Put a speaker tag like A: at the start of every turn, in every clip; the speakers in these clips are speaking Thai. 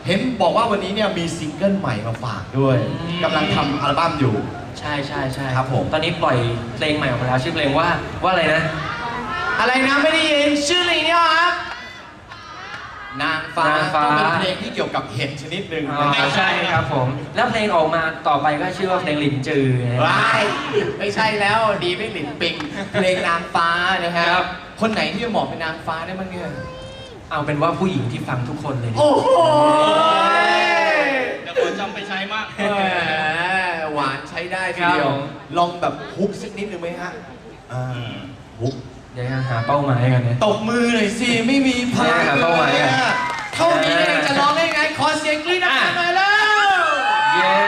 A: เห็นบอกว่าวันนี้เนี่ยมีซิงเกิลใหม่มาฝากด้วยกำลังทำอัลบั้มอยู่
B: ใช่ใช่ใช่
A: ครับผม
B: ตอนนี้ปล่อยเพลงใหม่ออกมาแล้วชื่อเพลงว่าอะไรนะ
A: อะไรนะไม่ได้ยินชื่ออะไรเนี่ยครับนางฟ้าก็เป็นเพลงที่เกี่ยวกับเห็ดชนิดหนึ่ง
B: ใช่ครับผมแล้วเพลงออกมาต่อไปก็ชื่อว่าเพลงหลินจือ
A: ไม่ใช่แล้วดีไม่หลินปิงเพลงนางฟ้านะครับคนไหนที่จะเหมาะเป็นนางฟ้าได้บ้างเนี่ย
B: เอาเป็นว่าผู้หญิงที่ฟังทุกคนเลย
A: โอ้โห
C: เดี๋ยวคนจำไปใช้มาก
A: หวานใช้ได้ทีเดียวลองแบบฮุกสักนิดหนึ่งไหมฮะฮุก
B: เดี๋ยวหาเป้าหมายกันเนี่ย
A: ตบมือหน่อยสิไม่มีพลัง
B: หาเป้าหมายกัน
A: เท่านี้จะร้องได้ไงขอเสียงกรี๊ดดังๆหน่อยแล้ว
B: เย้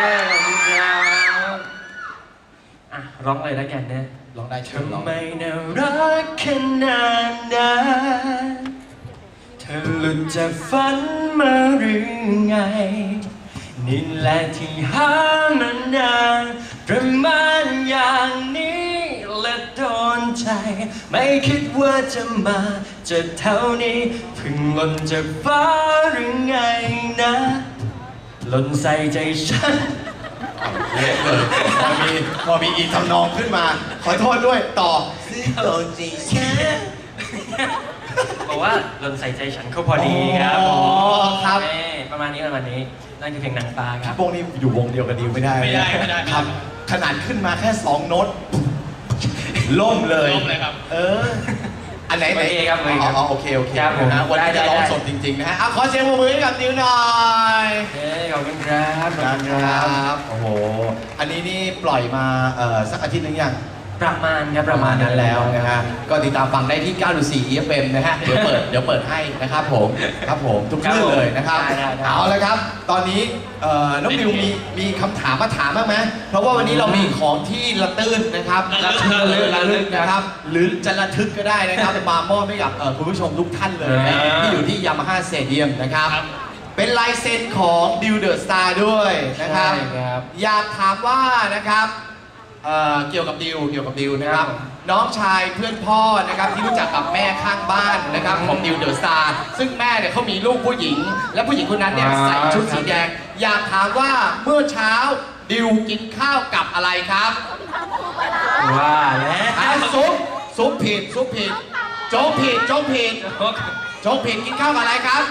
B: ร้องเลยแล้วกันนะ
A: ร้องได้เชิญร้อง
B: ทำไมน่ารักขนาดนั้นเธอหลุดจากฝันมาหรือไงนี่แหละที่หามานานประมาณอย่างนี้และโดนใจไม่คิดว่าจะมาจะเท่านี้เพิ่งหล่นจากฟ้าหรือไงนะหล่นใส่ใจฉัน
A: เละเลยพอมีอีกทำนองขึ้นมาขอโทษด้วยต่อซื้อโลจีแค่
B: บอกว่าหล่นใส่ใจฉันเขาพอดีครับ
A: ครับ
B: ประมาณนี้นั่นคือเพลงนางฟ้าครับ
A: วงนี้อยู่วงเดียวกันดิวไม่ได้ครับขนาดขึ้นมาแค่2โน้ตล่มเลย
C: ครับ
A: อันไหน
B: ครับ
A: โอเคนะวันนี้จะร้องสดจริงๆนะฮะขอเสียงปรบมือให้กับดิวหน่อย
B: ขอบคุณครับ
A: โอ้โหอันนี้นี่ปล่อยมาสักอาทิตย์นึงยัง
B: ประมาณ
A: นั้นแล้วนะฮะก็ติดตามฟังได้ที่ 9.4 EFM นะฮะเดี๋ยวเปิดให้นะครับผมทุกคลื่นเลยนะครับเอาละครับตอนนี้น้องดิวมีคำถามมาถามบ้างไหมเพราะว่าวันนี้เรามีของที่ระตื้นนะครับระลึกนะครับหรือจะระทึกก็ได้นะครับมามอบให้กับคุณผู้ชมทุกท่านเลยที่อยู่ที่ Yamaha Stadium นะครับเป็นลายเซ็นของดิวเดอะสตาร์ด้วยนะครับอยากถามว่านะครับเกี่ยวกับดิวนะครับน้องชายเพื่อนพ่อนะครับที่รู้จักกับแม่ข้างบ้านนะครับของดิวเดอะสตาร์ซึ่งแม่เนี่ยเขามีลูกผู้หญิงและผู้หญิงคนนั้นเนี่ยใส่ชุดสีแดงอยากถามว่าเมื่อเช้าดิวกินข้าวกับอะไรครับ
B: ว่าแล้ว
A: ซุปผิดโจ๊กผิดกินข้าวกับอะไรครับ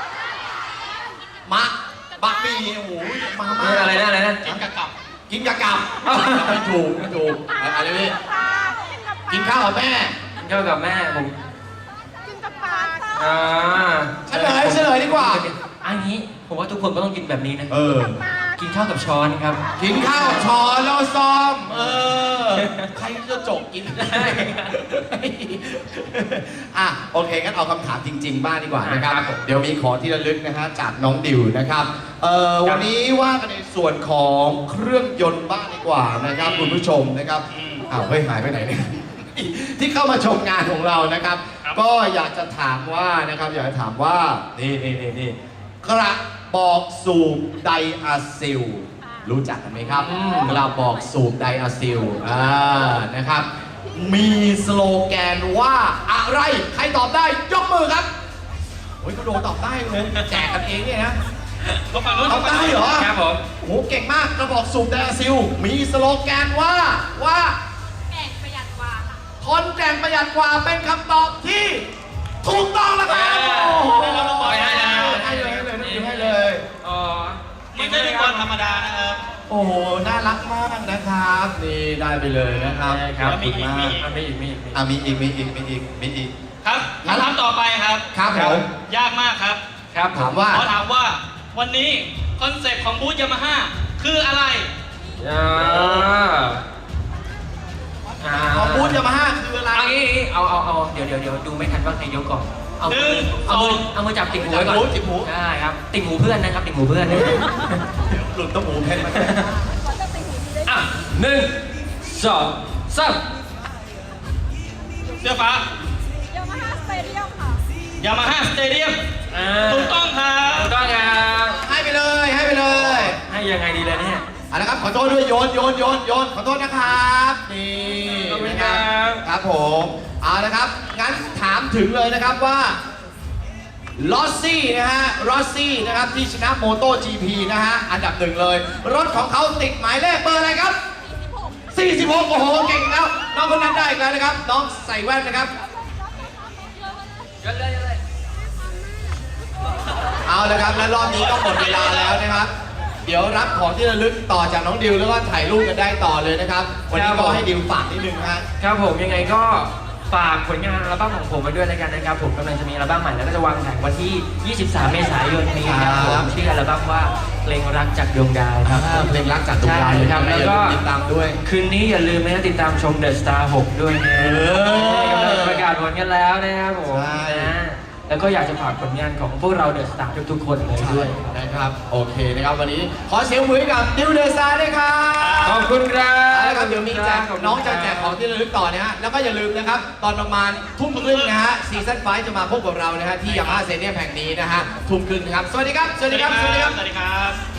A: บะหมี่โอ้โหมา
B: อะไรนะ
A: กินกะกับไม่ถูกอะไรนี่กินข้าวกับแม่
B: ผม
D: กินกับปลา
A: เฉลยดีกว่า
B: อันนี้ผมว่าทุกคนก็ต้องกินแบบนี้นะกินข้าวกับช้อนครับ
A: กินข้าวกับช้อนแล้วซ้อมใครจะจกกินได้โอเคงั้นเอาคำถามจริงๆบ้างดีกว่านะครับเดี๋ยวมีของที่ระลึกนะฮะจากน้องดิวนะครับวันนี้ว่ากันในส่วนของเครื่องยนต์บ้างดีกว่านะครับคุณผู้ชมนะครับเฮ้ยหายไปไหนเนี่ยที่เข้ามาชมงานของเรานะครับก็อยากจะถามว่านี่กระบอกสูบไดอะซิลรู้จักกันไหมครับกระบอกสูบไดอะซิลนะครับมีสโลแกนว่าอะไรใครตอบได้ยกมือครับโอ้ยก็โดนตอบได้เลยแจกกันเองเนี่ยนะตอบได้เหรอ
B: ครับผม
A: โอ้เก่งมากกระบอกสูบไดอะซิลมีสโลแกนว่า
D: แก่งประหยัดกว่า
A: ทนแก่งประหยัดกว่าเป็นคำตอบที่ถูกต้องแล้วครับให้เลย
C: ไม่ใช่เป็นคนธรรมดานะครับ
A: โอ้โหน่ารักมากนะครับนี่ได้ไปเลยนะครับ
C: มีอีกครับคำถามต่อไปครับ
A: ผม
C: ยากมากครับ
A: ถามว่า
C: ขอถามว่าวันนี้คอนเซ็ปต์ของบูธยามาฮ่าคืออะไร
A: ของบูธยามาฮ่าคืออะไร
B: เอาเดี๋ยวดูไม่ทันว่าใครยกก่อนเอามือจับติ่งหูไว้ก่อน
A: ติ่งหู
B: ได้ครับติ่งหูเพื่อนนะครับติ่งหูเพื่อน
A: หลุดต้มหูเพชรมา
B: 1 2 3
C: เสื้อฟ้า
D: Yamaha Stadium ค่ะ
C: Yamaha Stadium ถูกต้องครับ
A: ให้ไปเลย
B: ให้ยังไงดีเลยเนี่ย
A: นะครับขอโทษด้วยโยนขอโทษนะครับนี่นะครับผมเอาละครับงั้นถามถึงเลยนะครับว่าลอสซี่นะฮะลอสซี่นะครับที่ชนะโมโต้ GP นะฮะอันดับหนึ่งเลย รถของเขาติดหมายเลขเบอร์อะไรครับ 46 โอ้โห เก่งแล้ว น้องคนนั้นได้อีกแล้วนะครับ น้องใส่แว่นนะครับ เอาละครับ และรอบนี้ก็หมดเวลาแล้วนะครับ เดี๋ยวรับของที่ระลึกต่อจากน้องดิวแล้วก็ถ่ายรูปกันได้ต่อเลยนะครับ วันนี้ก็ให้ดิวฝากนิดนึงนะฮะ
B: ครับผมยังไงก็ฝากผลงานอัลบั้มของผมไว้ด้วยแล้วกันนะครับผมกำลังจะมีอัลบั้มใหม่แล้วก็จะวางแผงวันที่ 23 เมษายนนี้ครับผ
A: ครั
B: ม
A: บ
B: ชื่ออัลบั้มว่าเพลงรักจากดวงดาวครับ
A: เพลงรักจากดวงดาวเลย
B: ใช่ครับแล้วก็
A: ติดตามด้วย
B: คืนนี้อย่าลืมนะติดตามชม The Star 6 ด้วยนะ กำลังจะประกาศผลกันแล้วนะครับผม
A: ใช่
B: นะแล้วก็อยากจะฝากผลงานของพวกเรา The Star ทุกๆคนเลยด้วย
A: นะครับ โอเคนะครับ วันนี้ขอเสียงมือให้กับดิวเดอะซาร์ด้วยครับ
B: ขอบคุณครับ
A: แล้วครับเดี๋ยวมีแจก
B: ขบคุณ
A: น้องจะ
B: ครับ
A: แจกของที่ระลึกต่อนะฮะ แล้วก็อย่าลืมนะครับ ตอนประมาณทุ่มครึ่งนะฮะซีซั่น5จะมาพบกับเรานะฮะที่ยามาฮ่าสเตเดียมแห่งนี้นะฮะทุ่มครึ่งนะครับ สวัสดีครับ สวัสดีครับ สวัสดีครับ
C: สวัสดีครับ